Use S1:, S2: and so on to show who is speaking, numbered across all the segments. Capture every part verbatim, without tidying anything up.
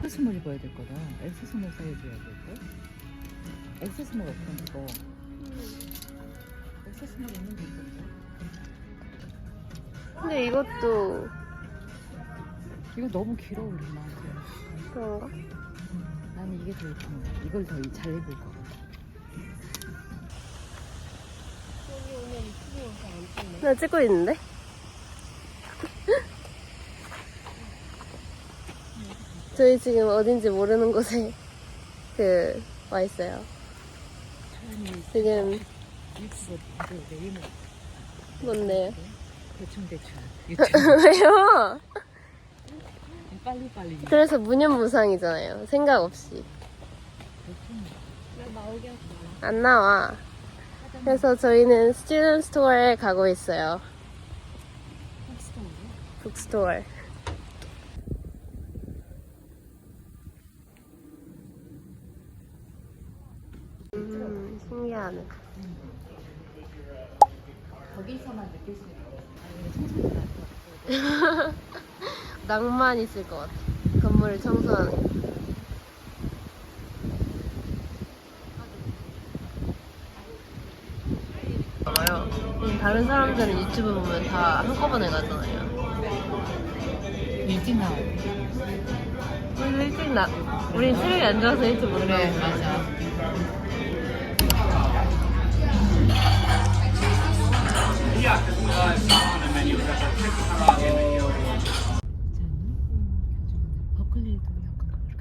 S1: 엑세스몰 입어야 될 거다. 엑세스몰 사이즈여야 될 걸. 엑세스몰 없던 거. 엑세스몰 있는 게 있던데.
S2: 근데 이것도
S1: 이거 너무 길어 우리 나한테.
S2: 그런가?
S1: 나는 이게 더 예쁜 거야. 이걸 더 잘 입을 것 같아.
S2: 나 찍고 있는데? 저희 지금 어딘지 모르는 곳에 그 와 있어요. 지금
S1: 유튜브 그 네이버
S2: 뭔데요?
S1: 대충 대충 유튜브
S2: 왜요?
S1: 빨리 빨리.
S2: 그래서 무념무상이잖아요. 생각 없이.
S1: 왜 나오게 하지 마.
S2: 안 나와. 그래서 저희는 스튜던트 스토어에 가고 있어요. 북스토어. 음, 신기하네.
S1: 거기서만 느낄 수 있는 거. 청소년
S2: 낭만 있을 것 같아. 건물을 청소하는 거. 음, 다른 사람들은 유튜브 보면 다 한꺼번에 가잖아요.
S1: 일찍 나오고.
S2: 우리 일찍 나, 우리 체력이 안 좋아서 일찍 못
S1: 그래
S2: 나오고.
S1: 맞아. 버클리도 약간 그렇게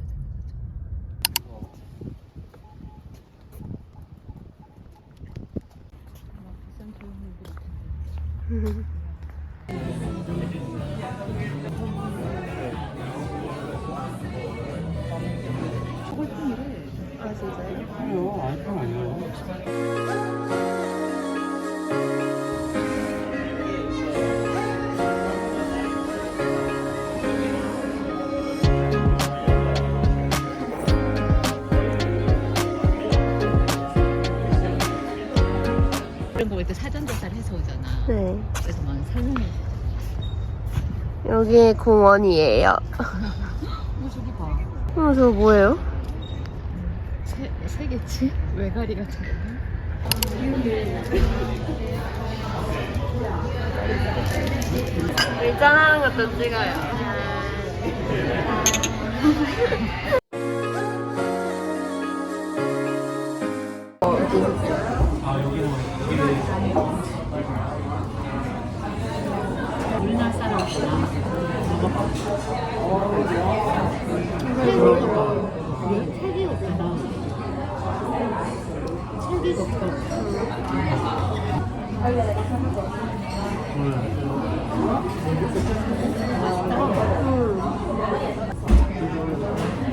S1: 생겼잖아.
S2: 아, 진짜요?
S3: 아니요, 아이폰 아니에요.
S1: 이런 거 볼 때 사전 조사를 해서 오잖아.
S2: 네.
S1: 그래서 막 설명해.
S2: 여기 공원이에요.
S1: 어 저기 봐.
S2: 어, 저거 뭐예요?
S1: 새 새겠지? 외가리 같은 거.
S2: 일잔하는 것도 찍어요.
S3: 아, 여기는, 여기는.
S1: 우리나라 사람이구나. 책이 없다. 책이 없어.
S2: 음.